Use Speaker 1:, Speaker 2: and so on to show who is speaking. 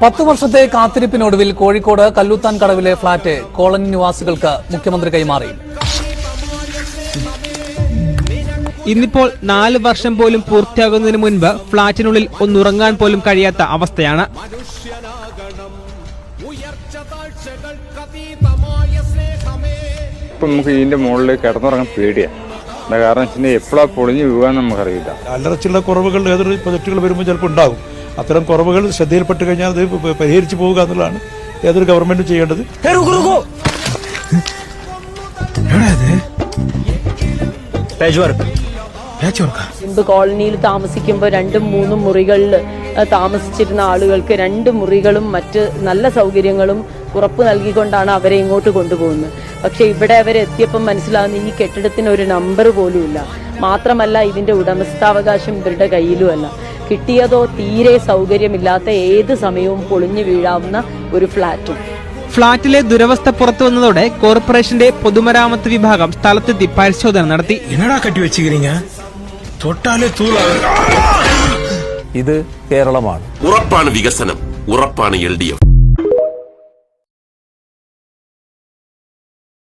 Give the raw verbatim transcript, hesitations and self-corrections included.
Speaker 1: പത്ത് വർഷത്തെ കാത്തിരിപ്പിനൊടുവിൽ കോഴിക്കോട് കല്ലൂത്താൻ കടവിലെ ഫ്ളാറ്റ് കോളനി നിവാസികൾക്ക് മുഖ്യമന്ത്രി കൈമാറി.
Speaker 2: ഇന്നിപ്പോൾ നാല് വർഷം പോലും പൂർത്തിയാകുന്നതിന് മുൻപ് ഫ്ളാറ്റിനുള്ളിൽ ഒന്നുറങ്ങാൻ പോലും കഴിയാത്ത അവസ്ഥയാണ്.
Speaker 3: ഇപ്പം നമുക്ക് ഇതിന്റെ മുകളിൽ കിടന്നുറങ്ങാൻ പേടിയാണ്. കാരണം വെച്ചാൽ എപ്പോഴാ പൊളിഞ്ഞു വീഴാൻ നമുക്കറിയില്ല.
Speaker 4: അല്ലറച്ചുള്ള കുറവുകൾ ഏതൊരു പ്രൊജക്ടുകൾ വരുമ്പോൾ ചിലപ്പോൾ ഉണ്ടാകും. അത്തരം കുറവുകൾ ശ്രദ്ധയിൽപ്പെട്ട് കഴിഞ്ഞാൽ അത് പരിഹരിച്ചു പോവുക എന്നുള്ളതാണ് ഏതൊരു ഗവൺമെന്റും ചെയ്യേണ്ടത്.
Speaker 5: മുമ്പ് കോളനിയിൽ താമസിക്കുമ്പോൾ രണ്ടും മൂന്നും മുറികളിൽ താമസിച്ചിരുന്ന ആളുകൾക്ക് രണ്ട് മുറികളും മറ്റ് നല്ല സൗകര്യങ്ങളും ഉറപ്പ് നൽകിക്കൊണ്ടാണ് അവരെ ഇങ്ങോട്ട് കൊണ്ടുപോകുന്നത്. പക്ഷെ ഇവിടെ അവരെത്തിയപ്പം മനസ്സിലാവുന്ന ഈ കെട്ടിടത്തിന് ഒരു നമ്പർ പോലുമില്ല. മാത്രമല്ല ഇതിന്റെ ഉടമസ്ഥാവകാശം ഇവരുടെ കയ്യിലുമല്ല. കിട്ടിയതോ തീരെ സൗകര്യമില്ലാത്ത ഏത് സമയവും പൊളിഞ്ഞു വീഴാവുന്ന ഒരു ഫ്ളാറ്റും.
Speaker 2: ഫ്ളാറ്റിലെ ദുരവസ്ഥ പുറത്തു വന്നതോടെ കോർപ്പറേഷന്റെ പൊതുമരാമത്ത് വിഭാഗം സ്ഥലത്തെത്തി പരിശോധന നടത്തി.
Speaker 1: ഇത് കേരളമാണ്.
Speaker 6: ഉറപ്പാണ് വികസനം, ഉറപ്പാണ് എൽ ഡി എഫ്.